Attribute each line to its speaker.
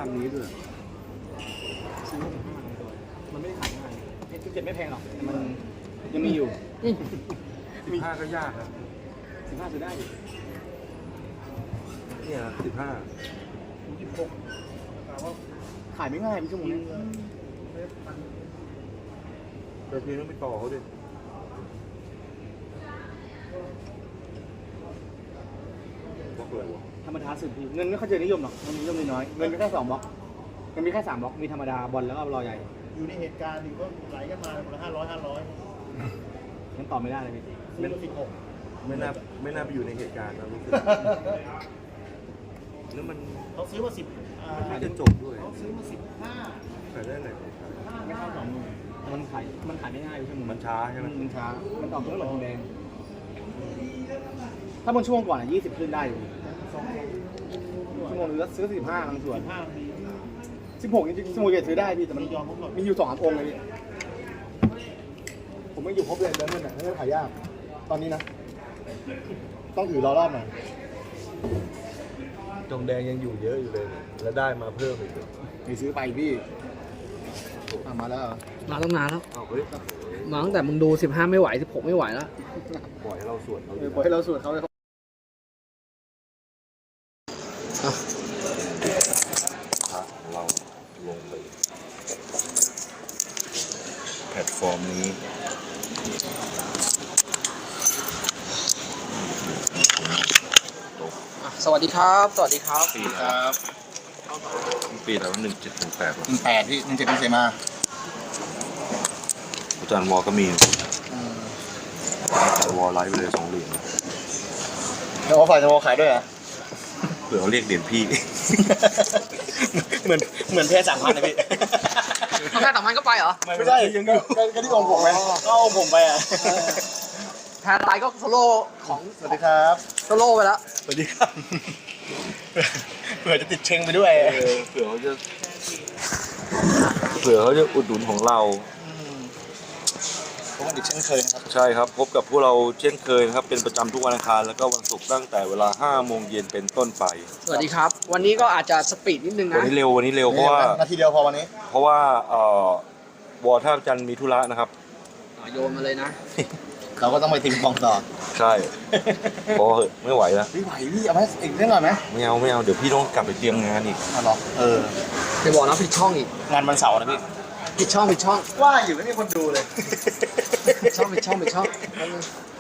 Speaker 1: างนี้ด้วย
Speaker 2: ซื้อมา15ตัวมันไม่ได้ขายง่าย17ไม่แพงหรอกแต่มันยังมีอยู่
Speaker 1: 15ก็ยากครับ
Speaker 2: 15ซื้อได้ดิ
Speaker 1: เนี่ย15
Speaker 2: 16ขายไม่ง่ายพี่ชั่วโมงนี้
Speaker 1: แต่พี่ต้องไปต่อเขาดิบล็อกอะไรวะ
Speaker 2: ธรรมดาสุดพี่เงินไม่ค่อยเจอนิยมหรอกมันนิยมน้อยเงินมีแค่2บล็อกเงินมีแค่3บล็อกมีธรรมดาบอลแล้วก็รอใหญ่
Speaker 3: อยู่ในเหตุการณ์อยู่ก็ไหลกันมาคนละ500
Speaker 2: ยังตอบไม่ได้เลยพี่
Speaker 3: ซื้อมา16
Speaker 1: ไม่น่าไปอยู่ในเหตุการณ์นะรู้สึกแล้วมัน
Speaker 3: เขาซื้อมา10
Speaker 1: ไม่จะจบด้วย
Speaker 3: เขาซื้อมา15
Speaker 1: ขายได้ไหน
Speaker 2: ไม่เข้า20,000มันขายไม่ง่ายพี่ชั่วโมง
Speaker 1: มันช้าใช่ไหม
Speaker 2: มันช้ามันออกตัวเหมือนทองแดงถ้าบนช่วงก่อน20ขึ้นได้อยู่ชั่วโมงนึงแล้วซื้อ45บางส่วน16จริงๆชั่วโมงเดียวซื้อได้พี่แต่มันมีอยู่2 องค์เลยพี่ผมไม่อยู่ครบเลยเดินเงินขายยากตอนนี้นะต้องถือรอรอบหน่อย
Speaker 1: ทองแดงยังอยู่เยอะอยู่เลยแล้วได้มาเพิ่มอีก
Speaker 2: ไปซื้อไปพี่มาแล้ว
Speaker 4: มาตั้งนานแล้ว
Speaker 1: เฮ้ย
Speaker 4: มาตั้งแต่มึงดู15ไม่ไหว16ไม่ไหวแล้ว
Speaker 1: ปล่อยให้เราสวดเขา
Speaker 2: ปล่อยให้เราสวดเขาเลย
Speaker 1: เราลงไปแพลตฟอร์มนี้
Speaker 4: สวัสดีครับสวัสดีครับ
Speaker 1: ปีครับปีแล้ว1718
Speaker 2: 18พี่17เป็นเซมา
Speaker 1: อาจารย์วอก็มีวอไลฟ์ไปเลย2 เหรียญ
Speaker 2: แล้วว่าฝ่ายจะวอขายด้วยอ่ะ
Speaker 1: เผื่อเขาเรียกเหรียญพี่
Speaker 2: เหมือนเพศ3,000นะพี่
Speaker 4: เขาแค่3,000ก็ไปเหรอ
Speaker 2: ไม่ใช่ยังอยู่ก็ที่องผมไหมก็องผมไปอ่ะ
Speaker 4: แทนไลน์ก็โซโล่ของ
Speaker 2: สวัสดีครับ
Speaker 4: โซโล่ไปแล้ว
Speaker 2: สวัสดีครับเผื่อจะติดเชงไปด้วย
Speaker 1: เผื่อเขาจะอุดหนุนของเรา
Speaker 2: พบกันอีกเช่นเคยนะครับ
Speaker 1: ใช่ครับพบกับพวกเราเช่นเคยนะครับเป็นประจำทุกวันอังคารแล้วก็วันศุกร์ตั้งแต่เวลา 5 โมงเย็นเป็นต้นไป
Speaker 4: สวัสดีครับวันนี้ก็อาจจะสปีดนิดนึงนะ
Speaker 1: วันนี้เร็วเพราะว่า
Speaker 2: นาทีเดียวพอวันนี้
Speaker 1: เพราะว่าวอท่าจันมีธุระนะครับ
Speaker 4: โยนมาเลยนะ
Speaker 2: เราก็ต้องไปทีมกองต่อ
Speaker 1: ใช่พอเหอะไม่ไหวแล้ว
Speaker 2: ไม่ไหวพี่เอาไหมอีกเรื่องหน่อยไหม
Speaker 1: ไม่เอาเดี๋ยวพี่ต้องกลับไปเตรียมงานอีก
Speaker 2: หรอ
Speaker 4: จะบอกนะผิดช่องอีก
Speaker 2: งานวันเสาร์นะพี่
Speaker 4: ผิดช่อง
Speaker 2: ว่าอยู่ไม่มีคนดูเลย
Speaker 4: ผิดช่อง